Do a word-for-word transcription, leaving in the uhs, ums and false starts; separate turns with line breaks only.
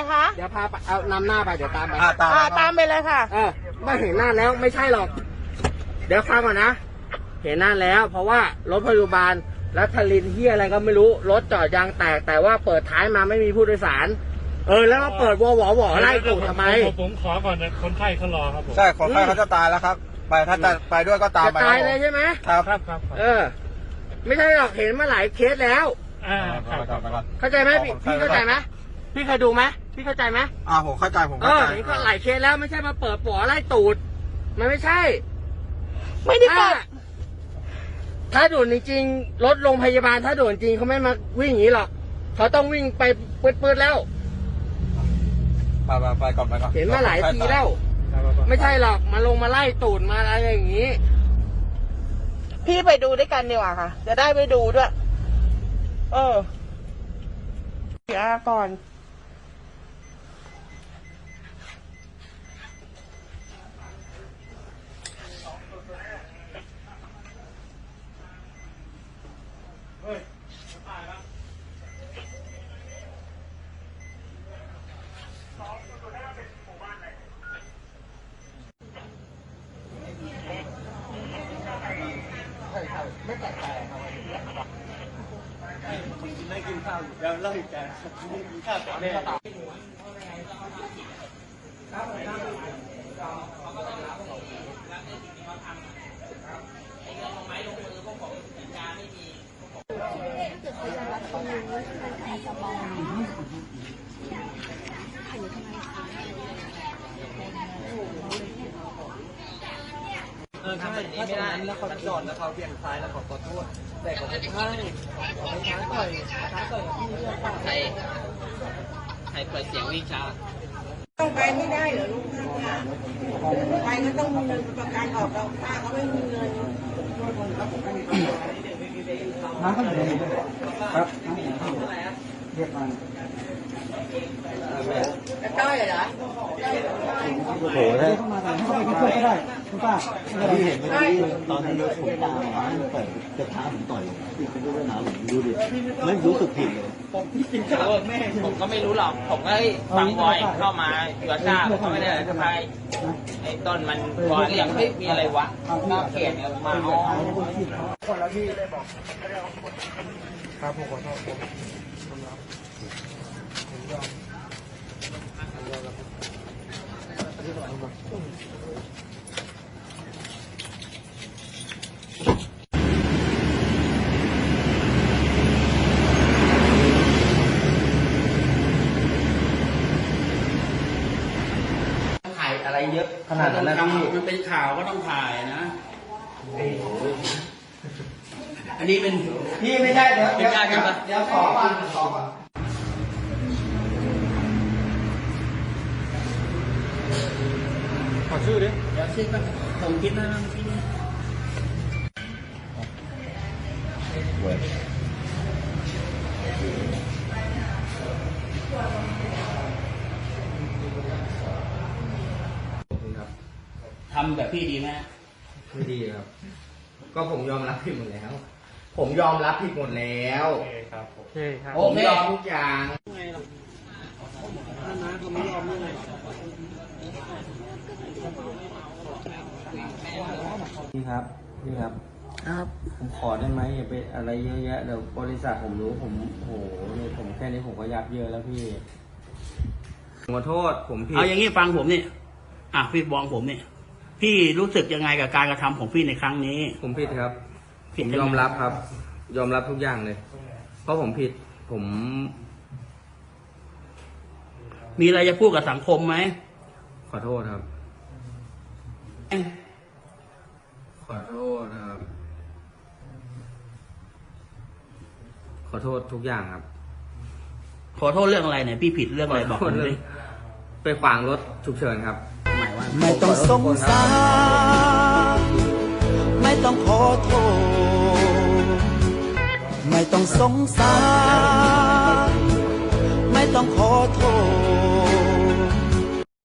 คะ
เดี๋ยวพาไปเอานำหน้าไปเดี๋ยวตามไป
อ่าตาม
อ่าตามไปเลยค่ะ
เออไม่เห็นหน้าแล้วไม่ใช่หรอก เดี๋ยวฟังก่อนนะเห็นหน้าแล้ว เพราะว่ารถพยาบาลแล้วทลินที่อะไรก็ไม่รู้รถจอดยางแตกแต่ว่าเปิดท้ายมาไม่มีผู้โดยสารเออแล้วมาเปิดวอวอวอไล่กูทำไม
ผมขอก่อนนะคนไข้เขารอครับผม
ใช่คนไข้เขาจะตายแล้วครับไปถ้าจะไปด้วยก็ตาม
จะ
ไป
ตายเลยใช่ไหม
ครับ
ครับครับ
เออ ไม่ใช่หรอกเห็นมาหลายเคสแล้ว
อ่าครับครับ
เข้าใจไหมพี่พี่เข้าใจไหมพี่เคยดูไหมพี่เข้าใจไหม
อ่าผมเข้าใจผม
เอ
เข้า
อ
ใจ
เห็นก็หลายเคสแล้วไม่ใช่มาเปิดปอไล่ตูดมันไม่ใช่
ไม่ได้เปิด
ถ้าด่วนจริงๆรถโรงพยาบาลถ้าด่วนจริงเขาไม่มาวิ่งอย่างนี้หรอกเขาต้องวิ่งไปปืดๆแล้ว
ไปไปไปก่อนไปก่อน
เห็นมาหลายทีแล้ว ไม่ใช่หรอกมาลงมาไล่ตูดมาอะไรอย่างนี้
พี่ไปดูด้วยกันดีกว่าค่ะ จะได้ไปดูด้วย เออเดี๋ยวก่อน
ไม่กินข้าวอยู่เดี๋ยวเล่าอีกแกไม่กินข้าวแต่แม่เออใช่ถ้าตรงนั้นแล้วเขาจอดแล้วเขาเบี่ยงซ้ายแล้วเขาขอโทษแต่เขาไม่ใช่เขาไม่ช้าต่อยช้าต่อยกับพี่เรื่องใครใครเปิดเสียงวิ่งช้า
ต้องไปไม่ได้เหรอลูกค้าไปก็ต้องมีเงินประกันออกเราป้าเขาไม่มีเงิน
น้ำเขาอยู่ในนี้ครับเรียกมัน
จะต้อยเหรอ
โอ้โหได้เข้ามาแต่เข้าไปช่วยก็ได้คุณป้าที่เห็นเมื่อกี้ตอนที่รถผมตามมาเปิดจะท้าผมต่อยพี่เป็นด้วยนะผมดูดิไม่รู้สึกผิดเลยผมที่กินข้าวแม่
ผมก็ไม่รู้หรอก ผมก็ฟังบอยเข้ามาอยู่กับชาผมก็ไม่ได้อะไรทำไมไอ้ต้นมันบอยเรียกเฮ้ยมีอะไรวะหน้าเขียนมาอ๋อ
คนแล้วพี่ได้บอก
ครับผมขอโทษผมผมยอม
ถ่ายอะไรเยอะขนาดนั้นนะพี่
มันเป็นข่าวก็ต้องถ่ายนะอันนี้เป็น
พี่ไม่ได้เดี๋ยว
เป็นการกันปะ
เดี๋ยวขอก่อนขอก่อน
ขอชื่อดิ
เดี๋ยวชื่อก็ผมคิดว่าที่นี่ทำแบบพี่ดีไหม
ไม่ดีครับ ก็ผมยอมรับผิดหมดแล้ว ผมยอมรับผิดหมดแล้วโอเคครับโอเคครับผมยอมทุกอย่าง
พี่ครับพี่ครับ
ครับ
ผมขอได้ไหมอย่าไปอะไรเยอะแยะเดี๋ยวบริษัทผมรู้ผมโหนี่ผมแค่นี้ผมก็ยับเยอะแล้วพี่
ขอโทษผมผิด
เอาอย่างนี้ฟังผมเนี่ยอ่ะพี่บองผมเนี่ยพี่รู้สึกยังไงกับการกระทำของพี่ในครั้งนี้
ผมผิดครับ
ผิ
ผ
ด
ม
ยังไง
ยอมรับครับ ยอมรับทุกอย่างเลย เพราะผมผิด ผม
มีอะไรจะพูดกับสังคมไหม
ขอโทษครับ ขอโทษครับ ขอโทษทุกอย่างครับ
ขอโทษเรื่องอะไรเนี่ยพี่ผิดเรื่องอะไรบอกผมดิ
ไปขวางรถฉุกเฉินครับ
หมายว่า
ไม่ต้องสงสารไม่ต้องขอโทษไม่ต้องสงสาร